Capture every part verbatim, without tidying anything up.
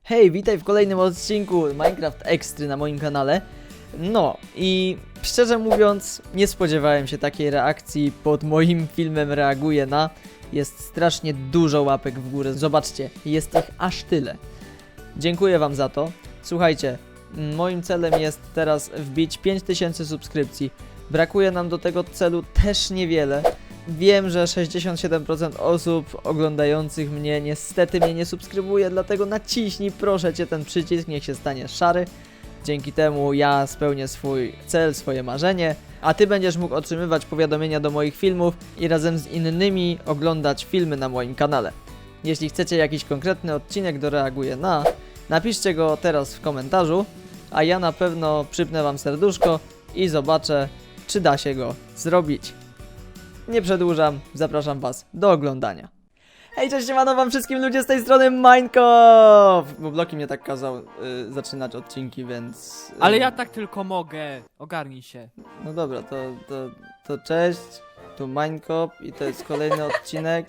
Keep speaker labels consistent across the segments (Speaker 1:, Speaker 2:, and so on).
Speaker 1: Hej, witaj w kolejnym odcinku Minecraft Extry na moim kanale. No i szczerze mówiąc, nie spodziewałem się takiej reakcji pod moim filmem Reaguję na. Jest strasznie dużo łapek w górę, zobaczcie, jest ich aż tyle. Dziękuję wam za to. Słuchajcie, moim celem jest teraz wbić pięć tysięcy subskrypcji. Brakuje nam do tego celu też niewiele. Wiem, że sześćdziesiąt siedem procent osób oglądających mnie niestety mnie nie subskrybuje, dlatego naciśnij proszę cię ten przycisk, niech się stanie szary. Dzięki temu ja spełnię swój cel, swoje marzenie, a ty będziesz mógł otrzymywać powiadomienia do moich filmów i razem z innymi oglądać filmy na moim kanale. Jeśli chcecie jakiś konkretny odcinek do Reaguję na, napiszcie go teraz w komentarzu, a ja na pewno przypnę wam serduszko i zobaczę, czy da się go zrobić. Nie przedłużam, zapraszam was do oglądania. Hej, cześć, siemano wam wszystkim ludzie z tej strony Minecraft! Bo Bloki mnie tak kazał y, zaczynać odcinki, więc... Y,
Speaker 2: Ale ja tak tylko mogę. Ogarnij się.
Speaker 1: No dobra, to, to, to cześć, tu Minecraft i to jest kolejny odcinek.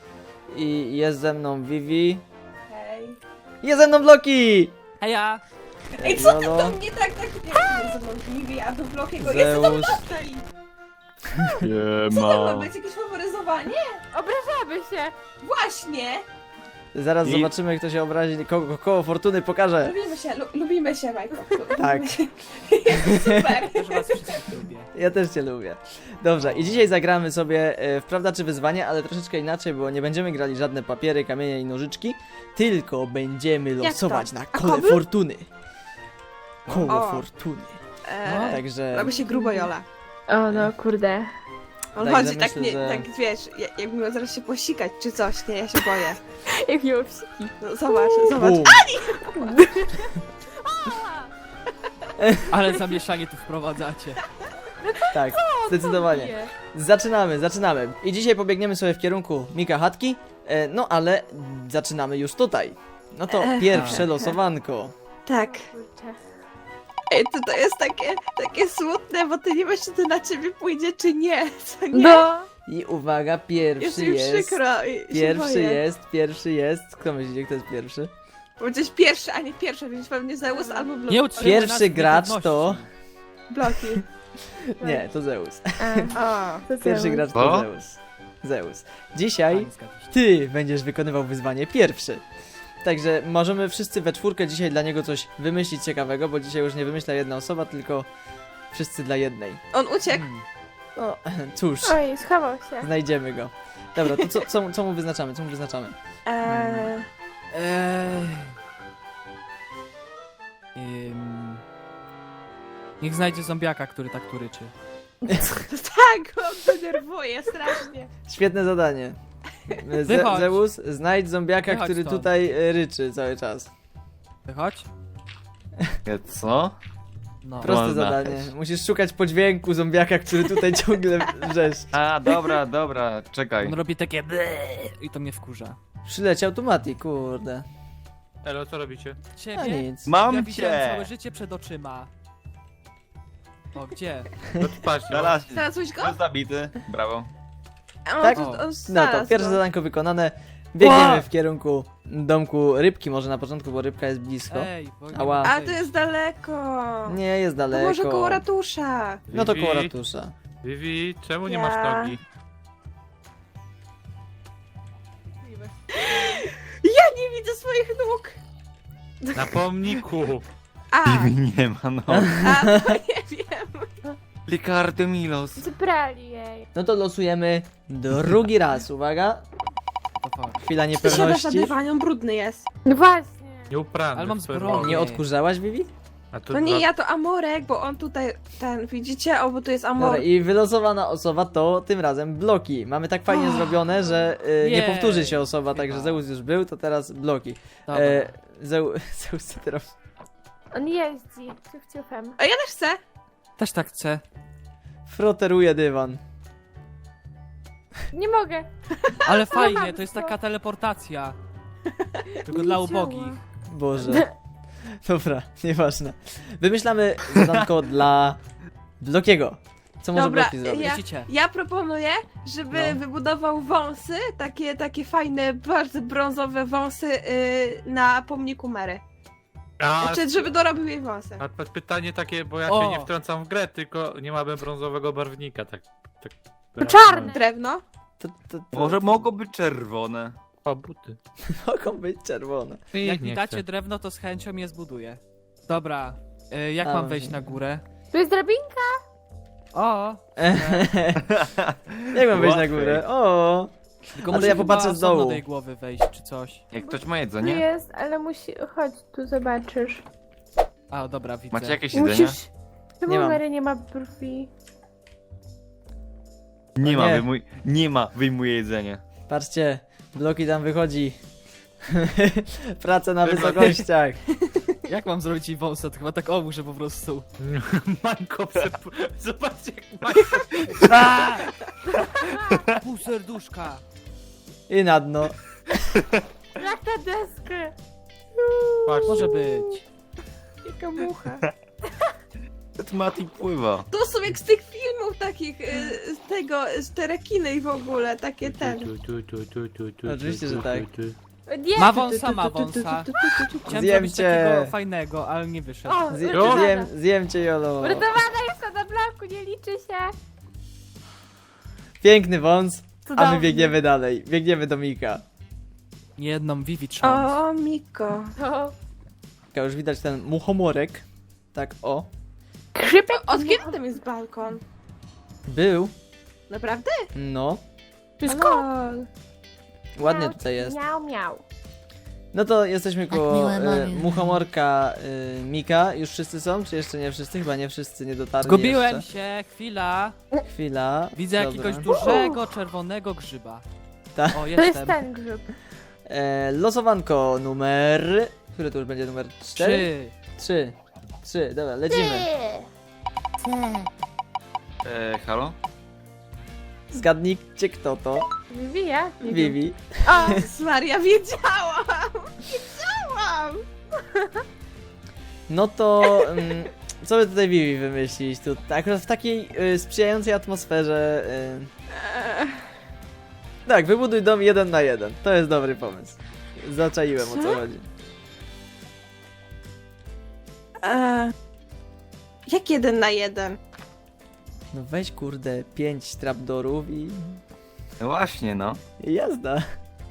Speaker 1: I jest ze mną Vivi.
Speaker 3: Hej.
Speaker 1: Jest ze mną Bloki!
Speaker 2: Heja!
Speaker 3: Ej, co ty
Speaker 1: Jolo,
Speaker 3: do mnie tak, tak, nie, to są Vivi, a do Blokiego jest to
Speaker 1: Zeus.
Speaker 3: tutaj. Co to ma być? Jakieś faworyzowanie?
Speaker 4: Obrażamy się!
Speaker 3: Właśnie!
Speaker 1: Zaraz
Speaker 5: I-
Speaker 1: zobaczymy, kto się obrazi, koło, koło fortuny pokażę.
Speaker 3: Lubimy się, lu lubimy się, Minecraft.
Speaker 1: Tak.
Speaker 3: Super.
Speaker 2: Też was wszystkich lubię.
Speaker 1: Ja też cię lubię. Dobrze, i dzisiaj zagramy sobie e, w Prawda czy Wyzwanie, ale troszeczkę inaczej, bo nie będziemy grali żadne papiery, kamienie i nożyczki, tylko będziemy
Speaker 3: to?
Speaker 1: losować na
Speaker 3: A
Speaker 1: kole
Speaker 3: koby?
Speaker 1: fortuny. Koło
Speaker 3: O.
Speaker 1: fortuny.
Speaker 3: Eee,
Speaker 1: Także...
Speaker 3: robi się grubo, Jola.
Speaker 4: O no kurde.
Speaker 3: On
Speaker 1: Także
Speaker 3: chodzi tak,
Speaker 1: myślę,
Speaker 3: nie,
Speaker 1: że-
Speaker 3: tak wiesz, ja- jakby miał zaraz się posikać czy coś, nie, ja się boję.
Speaker 4: Jak miło psiki.
Speaker 3: No zobacz, zobacz.
Speaker 1: Bum.
Speaker 2: Ale zamieszanie tu wprowadzacie.
Speaker 1: Tak, zdecydowanie.
Speaker 4: Nie.
Speaker 1: Zaczynamy, zaczynamy. I dzisiaj pobiegniemy sobie w kierunku Mika Chatki, e, no ale zaczynamy już tutaj. No to
Speaker 3: Ech.
Speaker 1: pierwsze losowanko.
Speaker 3: Tak.
Speaker 4: Kurczę.
Speaker 3: Ej, to, to jest takie, takie smutne, bo ty nie wiesz, czy to na ciebie pójdzie, czy nie, co nie?
Speaker 4: No!
Speaker 1: I uwaga,
Speaker 3: Jest
Speaker 1: pierwszy
Speaker 3: mi
Speaker 1: jest...
Speaker 3: przykro i się
Speaker 1: Pierwszy
Speaker 3: boję.
Speaker 1: jest, pierwszy jest. Kto myślicie, kto jest pierwszy?
Speaker 3: Powiedziałeś pierwszy, a nie pierwszy, więc pewnie Zeus albo Bloki.
Speaker 2: Nie utrzymaj nas
Speaker 1: Pierwszy
Speaker 2: w
Speaker 1: gracz
Speaker 2: niepewności.
Speaker 1: to...
Speaker 3: Bloki.
Speaker 1: Nie, to Zeus.
Speaker 3: A,
Speaker 4: To
Speaker 1: Pierwszy
Speaker 4: Zeus.
Speaker 1: gracz to
Speaker 5: Co?
Speaker 1: Zeus. Zeus. Dzisiaj
Speaker 2: Fajnie, zgadza się.
Speaker 1: ty będziesz wykonywał wyzwanie pierwszy. Także możemy wszyscy we czwórkę dzisiaj dla niego coś wymyślić ciekawego, bo dzisiaj już nie wymyśla jedna osoba, tylko wszyscy dla jednej.
Speaker 3: on uciekł.
Speaker 2: Hmm.
Speaker 1: No, cóż,
Speaker 4: Oj, schował się.
Speaker 1: znajdziemy go. Dobra, to co, co, co mu wyznaczamy? Co mu wyznaczamy?
Speaker 3: Eee,
Speaker 2: Eee... Ym... Niech znajdzie zombiaka, który tak tu ryczy.
Speaker 3: tak, on denerwuje strasznie.
Speaker 1: Świetne zadanie. Ze
Speaker 2: Wychodź.
Speaker 1: Zeus, znajdź zombiaka,
Speaker 2: Wychodź
Speaker 1: który
Speaker 2: stąd.
Speaker 1: tutaj e, ryczy cały czas.
Speaker 2: Wychodź.
Speaker 5: Co?
Speaker 2: No.
Speaker 1: Proste
Speaker 5: Można.
Speaker 1: zadanie. Musisz szukać po dźwięku zombiaka, który tutaj ciągle wrzeszczy.
Speaker 5: A, dobra, dobra, czekaj.
Speaker 2: On robi takie ble i to mnie wkurza.
Speaker 1: Przyleciał tu Mati, kurde.
Speaker 6: Elo, co robicie?
Speaker 1: A
Speaker 2: Ciebie?
Speaker 1: nic.
Speaker 5: Mam
Speaker 2: Ja widziałem
Speaker 5: cię!
Speaker 2: całe życie przed oczyma. O, gdzie?
Speaker 6: No to patrz, no.
Speaker 5: Znalazł
Speaker 3: Znalazłeś go?
Speaker 5: jest zabity, brawo.
Speaker 3: A on,
Speaker 1: Tak?
Speaker 3: tu- on
Speaker 1: No to
Speaker 3: znalazł
Speaker 1: pierwsze
Speaker 3: go.
Speaker 1: zadanko wykonane. Biegniemy
Speaker 2: Ła!
Speaker 1: w kierunku domku rybki, może na początku, bo rybka jest blisko.
Speaker 2: Ej, bo nie
Speaker 1: Ała.
Speaker 2: mogę
Speaker 3: A to
Speaker 2: wejść.
Speaker 3: jest daleko.
Speaker 1: Nie, jest
Speaker 3: To
Speaker 1: daleko.
Speaker 3: może koło ratusza.
Speaker 1: No to
Speaker 6: Vivi,
Speaker 1: koło ratusza.
Speaker 6: Vivi, czemu nie
Speaker 3: Ja.
Speaker 6: masz nogi?
Speaker 3: Ja nie widzę swoich nóg.
Speaker 6: Na pomniku!
Speaker 3: A,
Speaker 5: Nie ma no.
Speaker 3: a, to nie wiem.
Speaker 5: Ricardo Milos.
Speaker 4: Zebrali jej.
Speaker 1: No to losujemy drugi raz, uwaga.
Speaker 2: To fakt.
Speaker 1: Chwila
Speaker 3: Ty siadasz na
Speaker 1: niepewności.
Speaker 3: dywanie, on brudny jest.
Speaker 4: No właśnie.
Speaker 6: Nieuprany.
Speaker 2: Ale mam
Speaker 6: w swoim
Speaker 2: zbroję.
Speaker 6: domu.
Speaker 1: Nie odkurzałaś, Vivi?
Speaker 6: A to
Speaker 3: No nie,
Speaker 6: dwa-
Speaker 3: ja to Amorek, bo on tutaj, ten, widzicie? O, bo tu jest Amor.
Speaker 1: Dobra, i wylosowana osoba to tym razem Bloki. Mamy tak fajnie
Speaker 3: Oh.
Speaker 1: zrobione, że y, nie
Speaker 2: Jej.
Speaker 1: powtórzy się osoba, także
Speaker 2: Chyba.
Speaker 1: Zeus już był, to teraz Bloki.
Speaker 2: Dobra.
Speaker 1: E, Zeu, Zeus co teraz?
Speaker 4: On jeździ. Ciuf ciufem.
Speaker 3: A ja też chcę.
Speaker 2: Też tak chcę.
Speaker 1: Froteruje dywan.
Speaker 4: Nie mogę.
Speaker 2: Ale fajnie, to jest taka teleportacja. Tylko
Speaker 4: Nie
Speaker 2: dla
Speaker 4: działa.
Speaker 2: ubogich.
Speaker 1: Boże. Dobra, nieważne. Wymyślamy zadanko dla Blokiego. Co może
Speaker 3: Dobra,
Speaker 1: Bloki zrobić?
Speaker 3: ja-
Speaker 2: Widzicie?
Speaker 3: Ja proponuję, żeby
Speaker 1: No.
Speaker 3: wybudował wąsy, takie, takie fajne, bardzo brązowe wąsy yy, na pomniku Mary.
Speaker 6: A,
Speaker 3: Znaczy, żeby dorobił jej wąsy.
Speaker 6: a p- pytanie takie, bo ja
Speaker 2: O!
Speaker 6: się nie wtrącam w grę, tylko nie mamy brązowego barwnika, tak. tak
Speaker 4: No czarny.
Speaker 3: Drewno?
Speaker 1: To, to, to
Speaker 5: Może mogą być czerwone.
Speaker 6: O, buty.
Speaker 1: mogą być czerwone.
Speaker 2: Jak
Speaker 6: nie
Speaker 2: mi dacie
Speaker 6: chcę.
Speaker 2: drewno, to z chęcią je zbuduję. Dobra, y, jak
Speaker 1: A,
Speaker 2: mam
Speaker 1: może
Speaker 2: wejść
Speaker 1: nie.
Speaker 2: na górę?
Speaker 4: Tu jest drabinka.
Speaker 2: O!
Speaker 1: Jak mam wejść na
Speaker 5: Łatwiej.
Speaker 1: górę? O!
Speaker 2: Tylko
Speaker 1: Ale
Speaker 2: muszę
Speaker 1: ja
Speaker 2: chyba
Speaker 1: popatrzę z
Speaker 2: osobno
Speaker 1: dołu.
Speaker 2: do jej głowy wejść, czy coś.
Speaker 5: Jak ktoś ma
Speaker 4: Tu
Speaker 5: jedzenie?
Speaker 4: jest, ale musi... Chodź, tu zobaczysz.
Speaker 2: A, dobra, widzę.
Speaker 5: Macie jakieś jedzenie?
Speaker 4: Musisz... Czemu
Speaker 1: Nie mam.
Speaker 4: Mary nie ma brwi?
Speaker 5: Nie ma,
Speaker 1: Nie.
Speaker 5: wyjmuj... Nie ma, wyjmuję jedzenie.
Speaker 1: Patrzcie, Bloki tam wychodzi. Praca na
Speaker 6: Chyba-
Speaker 1: wysokościach.
Speaker 2: Jak mam zrobić jej wąsa? To chyba tak o, muszę po prostu.
Speaker 6: Mańko, przep... zobaczcie jak Mańko...
Speaker 2: A! Pół serduszka.
Speaker 1: I na dno.
Speaker 4: Jak na deskę.
Speaker 6: Patrz,
Speaker 2: Może być.
Speaker 3: Jaka mucha.
Speaker 5: Ten Mati pływa.
Speaker 3: To są jak z tych filmów takich, yy, z tego, z te rekiny i w ogóle, takie ten.
Speaker 6: Tu, tu, tu, tu, tu, tu,
Speaker 1: Oczywiście,
Speaker 6: tu,
Speaker 1: że tak.
Speaker 6: tu, tu.
Speaker 4: Nie.
Speaker 2: Ma wąsa, ma wąsa. Chciałem
Speaker 1: Zjem
Speaker 2: zrobić
Speaker 1: cię.
Speaker 2: takiego fajnego, ale nie wyszedł.
Speaker 4: O,
Speaker 1: Zje,
Speaker 6: Jo.
Speaker 1: zjem, zjem cię, Jolo.
Speaker 4: uratowana jest na bloku, nie liczy się.
Speaker 1: Piękny wąs, a my
Speaker 4: Cudownie.
Speaker 1: biegniemy dalej. Biegniemy do Mika.
Speaker 2: Jedną Vivi trząs.
Speaker 3: O, Miko.
Speaker 4: O,
Speaker 1: Taka już widać ten muchomorek. Tak, o.
Speaker 4: Krzypek.
Speaker 3: Od kiedy tam jest balkon?
Speaker 1: Był.
Speaker 3: Naprawdę?
Speaker 1: No.
Speaker 4: Wszystko.
Speaker 3: Lol.
Speaker 1: Ładnie tutaj jest.
Speaker 4: Miał, miał.
Speaker 1: No to jesteśmy koło
Speaker 7: miłe
Speaker 1: e,
Speaker 7: mamy.
Speaker 1: muchomorka e, Mika. Już wszyscy są? Czy jeszcze nie wszyscy? Chyba nie wszyscy nie dotarli
Speaker 2: Zgubiłem
Speaker 1: jeszcze.
Speaker 2: się, chwila.
Speaker 1: Chwila.
Speaker 2: Widzę
Speaker 1: Dobra.
Speaker 2: jakiegoś dużego, czerwonego grzyba.
Speaker 1: Tak.
Speaker 2: O,
Speaker 4: To
Speaker 2: jestem.
Speaker 4: jest ten grzyb.
Speaker 1: E, losowanko numer... Który to już będzie numer? Cztery?
Speaker 2: Trzy.
Speaker 1: Trzy. Trzy, dobra, lecimy.
Speaker 7: C.
Speaker 5: E, halo?
Speaker 1: Zgadnijcie kto to.
Speaker 4: Vivi, ja? Nie wiem.
Speaker 1: Vivi.
Speaker 4: O,
Speaker 3: Maria, wiedziałam! Wiedziałam!
Speaker 1: No to... Mm, co by tutaj Vivi wymyślić? Tu, akurat w takiej y, sprzyjającej atmosferze... Y,
Speaker 3: Eee,
Speaker 1: tak, wybuduj dom jeden na jeden. To jest dobry pomysł. Zaczaiłem o co
Speaker 3: Co?
Speaker 1: chodzi.
Speaker 3: eee, jak jeden na jeden?
Speaker 1: No weź kurde, pięć trapdorów i...
Speaker 5: No właśnie, no.
Speaker 1: i jazda.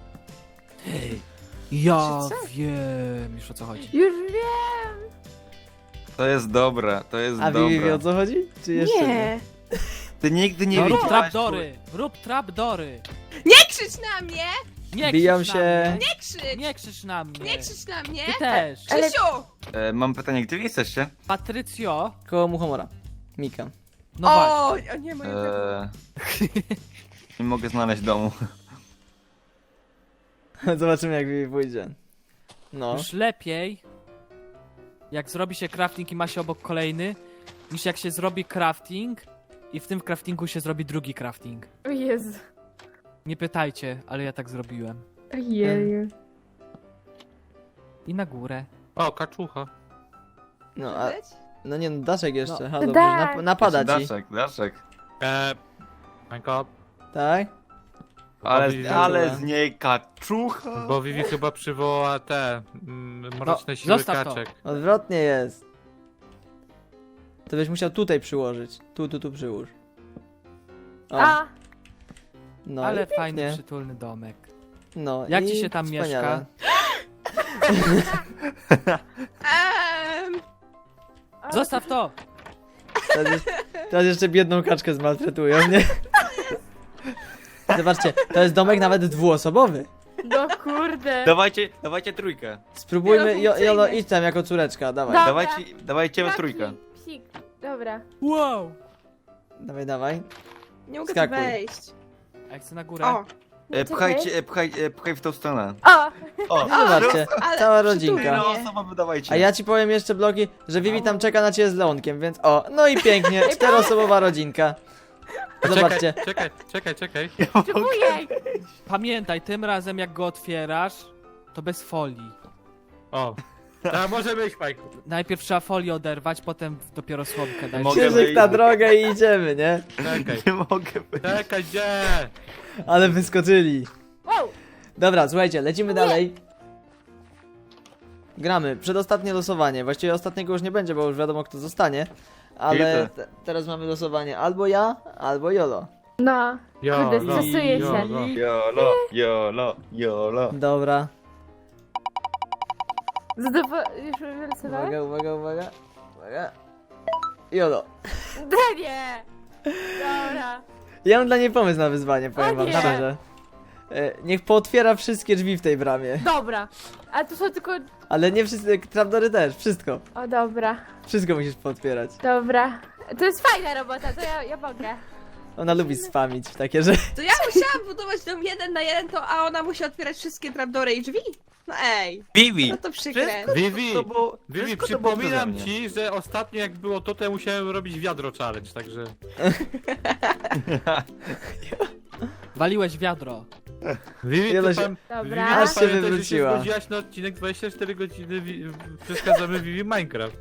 Speaker 2: Ja
Speaker 3: Co?
Speaker 2: wiem już o co chodzi.
Speaker 4: już wiem.
Speaker 5: To jest dobre, to jest
Speaker 1: A
Speaker 5: dobre.
Speaker 1: Vivi wie o co chodzi? Czy jeszcze nie?
Speaker 3: Nie.
Speaker 5: Ty nigdy nie
Speaker 2: No, rób
Speaker 5: wiedziałaś,
Speaker 2: trapdory! Rób trapdory!
Speaker 3: Nie krzycz na mnie!
Speaker 2: Nie
Speaker 1: Biją
Speaker 2: krzycz
Speaker 1: się.
Speaker 2: na mnie!
Speaker 3: Nie krzycz!
Speaker 2: Nie krzycz na mnie!
Speaker 3: Nie krzycz na mnie!
Speaker 2: Ty też!
Speaker 4: Ale-
Speaker 3: Krzysiu!
Speaker 5: E, mam pytanie, gdzie wy jesteście?
Speaker 2: Patrycjo!
Speaker 1: Koło Muchomora. Mika.
Speaker 2: No
Speaker 3: o,
Speaker 2: właśnie.
Speaker 3: o nie, moje
Speaker 5: E, nie mogę znaleźć domu.
Speaker 1: Zobaczymy jak Vivi pójdzie. No.
Speaker 2: Już lepiej jak zrobi się crafting i ma się obok kolejny, niż jak się zrobi crafting i w tym craftingu się zrobi drugi crafting.
Speaker 4: O Jezu.
Speaker 2: Nie pytajcie, ale ja tak zrobiłem.
Speaker 4: Ojeju.
Speaker 2: I na górę.
Speaker 6: O, kaczucha.
Speaker 1: No, a,
Speaker 3: Widać?
Speaker 1: no nie no, Daszek jeszcze.
Speaker 2: No.
Speaker 1: Ha, dobrze,
Speaker 4: Tak.
Speaker 1: nap napada ci.
Speaker 5: Daszek, Daszek.
Speaker 6: E, Mańko,
Speaker 1: Tak?
Speaker 5: Ale,
Speaker 6: Vivi-
Speaker 5: ale z niej kaczucha.
Speaker 6: bo Vivi chyba przywoła te mm, mroczne
Speaker 2: No,
Speaker 6: siły
Speaker 2: zostaw to.
Speaker 6: kaczek.
Speaker 1: Odwrotnie jest. To byś musiał tutaj przyłożyć. Tu, tu, tu przyłóż. O,
Speaker 4: A,
Speaker 1: no
Speaker 2: ale
Speaker 1: i
Speaker 2: fajny,
Speaker 1: pięknie.
Speaker 2: przytulny domek.
Speaker 1: No,
Speaker 2: Jak
Speaker 1: i
Speaker 2: ci się tam
Speaker 1: wspaniale.
Speaker 3: Ehm,
Speaker 4: o,
Speaker 2: Zostaw to!
Speaker 1: Teraz, jeszcze- teraz jeszcze biedną kaczkę zmaltretują, nie? Zobaczcie, to jest domek nawet dwuosobowy.
Speaker 4: No kurde.
Speaker 5: Dawajcie, dawajcie trójkę.
Speaker 1: Spróbujmy, jo,
Speaker 3: Wielofunkcyjny.
Speaker 1: Jolo, idź tam jako córeczka, dawaj.
Speaker 4: Dobra.
Speaker 5: Dawajcie, dawajcie we
Speaker 4: Taki
Speaker 5: trójkę.
Speaker 4: Psik. Dobra.
Speaker 2: Wow!
Speaker 1: Dawaj, dawaj.
Speaker 3: nie mogę tu
Speaker 1: Skakuj.
Speaker 3: wejść.
Speaker 2: A jak chcę na górę?
Speaker 3: O,
Speaker 5: E, pchajcie, e, pchaj, e, pchaj w tą stronę.
Speaker 4: O,
Speaker 5: O,
Speaker 1: No zobaczcie,
Speaker 3: ale
Speaker 1: cała
Speaker 3: przytulnie.
Speaker 1: rodzinka.
Speaker 5: no osoba wydawajcie.
Speaker 1: A ja ci powiem jeszcze, Bloki, że Vivi tam czeka na ciebie z Leonkiem, więc o, no i pięknie, czteroosobowa rodzinka. Zobaczcie.
Speaker 6: Czekaj, czekaj, czekaj.
Speaker 4: ujej.
Speaker 2: Pamiętaj, tym razem jak go otwierasz, to bez folii.
Speaker 6: O, A może być, Majku.
Speaker 2: Najpierw trzeba folię oderwać, potem dopiero słomkę dać.
Speaker 5: Mogę
Speaker 1: Krzyżyk
Speaker 5: wyjść?
Speaker 1: na drogę i idziemy, nie?
Speaker 6: Czekaj.
Speaker 5: Nie mogę być.
Speaker 6: Czekaj, gdzie?
Speaker 1: Ale wyskoczyli.
Speaker 4: Wow!
Speaker 1: Dobra, słuchajcie, lecimy dalej. Gramy. Przedostatnie losowanie. Właściwie ostatniego już nie będzie, bo już wiadomo kto zostanie. Ale
Speaker 5: Widzę.
Speaker 1: te, teraz mamy losowanie albo ja, albo Jolo.
Speaker 4: No,
Speaker 6: Jolo,
Speaker 4: kurde, stresuję się.
Speaker 6: jolo.
Speaker 5: Jolo, jolo, jolo.
Speaker 1: Dobra.
Speaker 4: Zadowolony. Już wylosowałeś?
Speaker 1: Uwaga, uwaga, uwaga. Uwaga. Jolo.
Speaker 4: Nie! Dobra.
Speaker 1: Ja mam dla niej pomysł na wyzwanie, powiem
Speaker 4: O
Speaker 1: wam
Speaker 4: nie.
Speaker 1: szczerze. E, niech pootwiera wszystkie drzwi w tej bramie.
Speaker 4: Dobra. A tu są tylko...
Speaker 1: Ale nie wszystkie, trapdory też, wszystko.
Speaker 4: O, dobra.
Speaker 1: Wszystko musisz pootwierać.
Speaker 4: Dobra. To jest fajna robota, to ja, ja mogę.
Speaker 1: Ona lubi spamić w takie rzeczy.
Speaker 3: To ja musiałam budować dom jeden na jeden, to a ona musi otwierać wszystkie trapdory i drzwi? No ej,
Speaker 5: Vivi!
Speaker 3: no to przykre.
Speaker 6: Vivi,
Speaker 5: To było,
Speaker 6: Vivi,
Speaker 5: wszystko to było
Speaker 6: przypominam
Speaker 5: przeze mnie.
Speaker 6: ci, że ostatnio jak było to, to ja musiałem robić wiadro challenge, także...
Speaker 2: Waliłeś wiadro.
Speaker 6: Vivi,
Speaker 1: Jolo
Speaker 6: ty
Speaker 1: się-
Speaker 6: pan...
Speaker 4: Dobra.
Speaker 6: Vivi,
Speaker 1: Aż się
Speaker 6: pamiętaj, że
Speaker 1: wywróciła.
Speaker 6: się zgodziłaś na odcinek dwadzieścia cztery godziny, wi... przeszkadzamy Vivi Minecraft.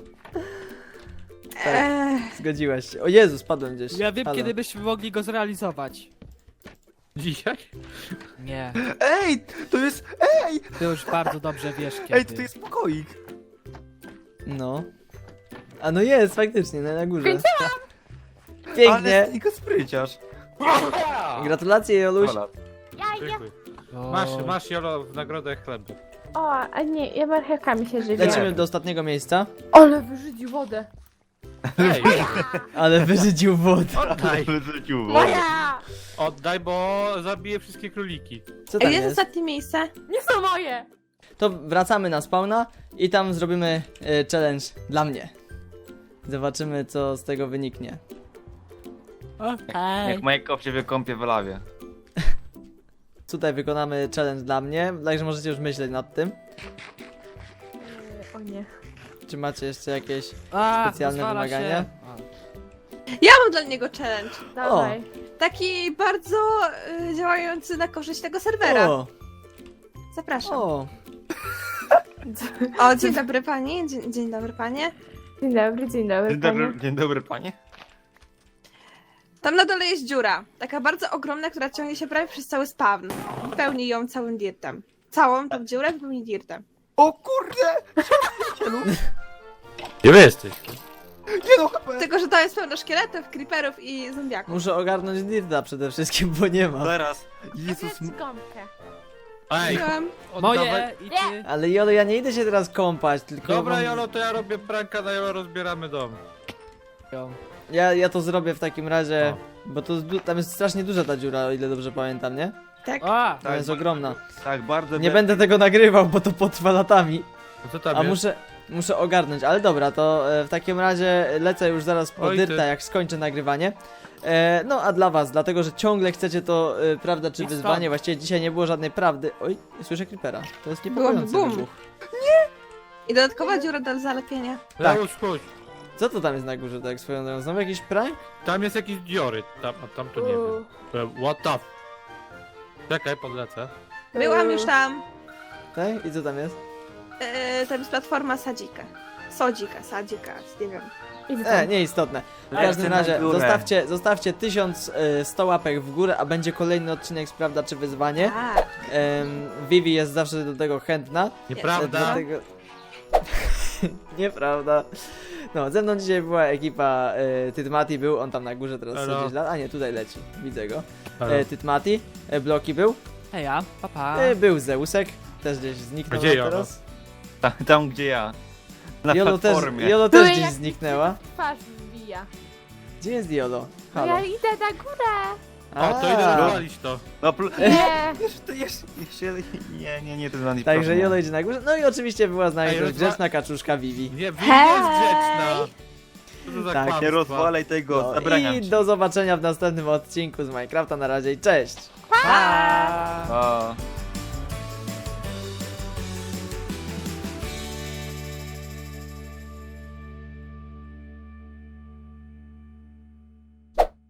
Speaker 3: Eee,
Speaker 1: Zgodziłaś się. O Jezu, spadłem gdzieś.
Speaker 2: Ja wiem,
Speaker 1: Halo.
Speaker 2: kiedy byśmy mogli go zrealizować.
Speaker 6: Dzisiaj?
Speaker 2: Nie,
Speaker 5: Ej, to jest, ej,
Speaker 2: ty już bardzo dobrze wiesz kiedy.
Speaker 5: ej, to jest pokoik.
Speaker 1: No. A no jest, faktycznie, no na górze.
Speaker 4: Skończyłam!
Speaker 1: Pięknie.
Speaker 5: Ale tylko spryciarz.
Speaker 1: Gratulacje, Joluś.
Speaker 5: Ola.
Speaker 4: Ja, ja.
Speaker 6: Dziękuję.
Speaker 2: O,
Speaker 6: Masz, masz Jolo w nagrodę chleb.
Speaker 4: O, a nie, ja marchewkami się żywię.
Speaker 1: Lecimy do ostatniego miejsca.
Speaker 4: Ale wyrzucił wodę.
Speaker 6: Ej,
Speaker 1: Ale wyrzucił wodę.
Speaker 6: oddaj,
Speaker 5: Wyrzucił wodę.
Speaker 4: Moja!
Speaker 6: oddaj, bo zabiję wszystkie króliki.
Speaker 1: Co tam
Speaker 3: Ej, jest
Speaker 1: jest?
Speaker 3: ostatnie miejsce?
Speaker 4: Nie są moje!
Speaker 1: To wracamy na spawna i tam zrobimy e, challenge dla mnie. Zobaczymy, co z tego wyniknie.
Speaker 2: Okej.
Speaker 5: Jak Majkow się wykąpie w lawie.
Speaker 1: Tutaj wykonamy challenge dla mnie, także możecie już myśleć nad tym.
Speaker 4: O nie.
Speaker 1: Czy macie jeszcze jakieś...
Speaker 2: A,
Speaker 1: Specjalne
Speaker 2: pozwala
Speaker 1: wymagania?
Speaker 2: Się.
Speaker 3: Ja mam dla niego challenge.
Speaker 4: Dawaj.
Speaker 3: Taki bardzo y, działający na korzyść tego serwera.
Speaker 1: O,
Speaker 3: Zapraszam.
Speaker 1: o,
Speaker 3: O, dzień dobry pani, dzień, dzień dobry panie.
Speaker 4: Dzień dobry, dzień dobry,
Speaker 5: Dzień
Speaker 4: panie.
Speaker 5: dobry, dzień dobry panie.
Speaker 3: Tam na dole jest dziura, taka bardzo ogromna, która ciągnie się prawie przez cały spawn. I pełni ją całym dirtem. Całą tą dziurę pełni dirtem.
Speaker 5: O kurde!
Speaker 6: Gdzie wy jesteś?
Speaker 5: Nie no, H P!
Speaker 3: Tylko, że to jest pełno szkieletów, creeperów i zombiaków.
Speaker 1: muszę ogarnąć Dirta przede wszystkim, bo nie ma.
Speaker 5: Zaraz.
Speaker 4: Jezus.
Speaker 5: Jezus,
Speaker 4: Gąbkę.
Speaker 6: Ej,
Speaker 3: Wziąłem.
Speaker 2: Moje
Speaker 6: oddawaj.
Speaker 2: i ty.
Speaker 1: Ale Jolo, ja nie idę się teraz kąpać, tylko...
Speaker 6: Dobra,
Speaker 1: wam-
Speaker 6: Jolo, to ja robię pranka na Jolo, rozbieramy dom.
Speaker 1: Ja, ja to zrobię w takim razie, bo to du- tam jest strasznie duża ta dziura, o ile dobrze pamiętam, nie?
Speaker 3: Tak.
Speaker 2: A,
Speaker 1: To jest ogromna.
Speaker 5: tak bardzo...
Speaker 1: Nie będę tego nagrywał, bo to potrwa latami.
Speaker 6: No co tam
Speaker 1: A
Speaker 6: jest?
Speaker 1: muszę, muszę ogarnąć, ale dobra, to e, w takim razie lecę już zaraz po
Speaker 6: Oj,
Speaker 1: Dyrta,
Speaker 6: ty.
Speaker 1: jak skończę nagrywanie. E, no a dla was, dlatego że ciągle chcecie to e, prawda czy
Speaker 2: Idź
Speaker 1: wyzwanie,
Speaker 2: stąd.
Speaker 1: właściwie dzisiaj nie było żadnej prawdy. Oj, słyszę creepera, to jest
Speaker 3: Byłoby
Speaker 1: niepokojący
Speaker 3: boom.
Speaker 1: wybuch.
Speaker 3: I dodatkowa dziura do zalepienia.
Speaker 1: tak.
Speaker 6: Leusz, chodź.
Speaker 1: Co to tam jest na górze, tak swoją drogą? Znowu jakiś prank?
Speaker 6: Tam jest jakieś diory, tam, a tam to nie
Speaker 4: Uuu.
Speaker 6: wiem. E, What the f... Czekaj, podlecę.
Speaker 3: Byłam już tam.
Speaker 1: Tak? I co tam jest?
Speaker 3: Yy, tam jest platforma sadzika. Sodzika, sadzika, nie wiem.
Speaker 4: Idę
Speaker 1: E,
Speaker 4: tam.
Speaker 1: nieistotne. W
Speaker 5: Ja
Speaker 1: każdym
Speaker 5: chcę na
Speaker 1: razie
Speaker 5: górę.
Speaker 1: zostawcie, zostawcie tysiąc sto łapek w górę, a będzie kolejny odcinek z prawda czy wyzwanie.
Speaker 3: Tak.
Speaker 1: Em, Vivi jest zawsze do tego chętna.
Speaker 6: Nieprawda?
Speaker 1: Dlatego... Nieprawda. No, ze mną dzisiaj była ekipa e, Tytmati był, on tam na górze teraz
Speaker 6: Elo.
Speaker 1: sobie lat. A nie, tutaj leci, widzę go.
Speaker 6: Halo.
Speaker 1: E, Tytmati, e, Bloki był,
Speaker 2: heja, papa.
Speaker 1: e, był Zeusek, też gdzieś zniknął
Speaker 6: Gdzie
Speaker 1: nam
Speaker 6: Jolo?
Speaker 1: teraz.
Speaker 5: Tam, tam gdzie ja. Na
Speaker 1: Jolo też,
Speaker 5: platformie.
Speaker 1: Jolo też
Speaker 4: Były
Speaker 1: gdzieś
Speaker 4: jak-
Speaker 1: zniknęła.
Speaker 4: Twarz wbija.
Speaker 1: Gdzie jest Jolo?
Speaker 4: No
Speaker 1: Halo.
Speaker 4: ja idę na górę.
Speaker 6: O, to idę
Speaker 1: A,
Speaker 6: rozwalić to.
Speaker 5: No, pl-
Speaker 4: Nie.
Speaker 5: jeszcze, to jeszcze, jeszcze, nie, nie, nie, to jest
Speaker 1: Także Jolo idzie na górze. No i oczywiście była z nami
Speaker 6: Ej,
Speaker 1: też
Speaker 6: rozwa-
Speaker 1: grzeczna kaczuszka Vivi.
Speaker 6: Nie, Vivi jest grzeczna. Co to za
Speaker 1: Tak,
Speaker 6: kłamstwa?
Speaker 5: Nie rozwalaj tego,
Speaker 1: No,
Speaker 5: zabraniam
Speaker 1: i
Speaker 5: ci.
Speaker 1: do zobaczenia w następnym odcinku z Minecrafta. Na razie i cześć!
Speaker 2: Pa!
Speaker 5: O.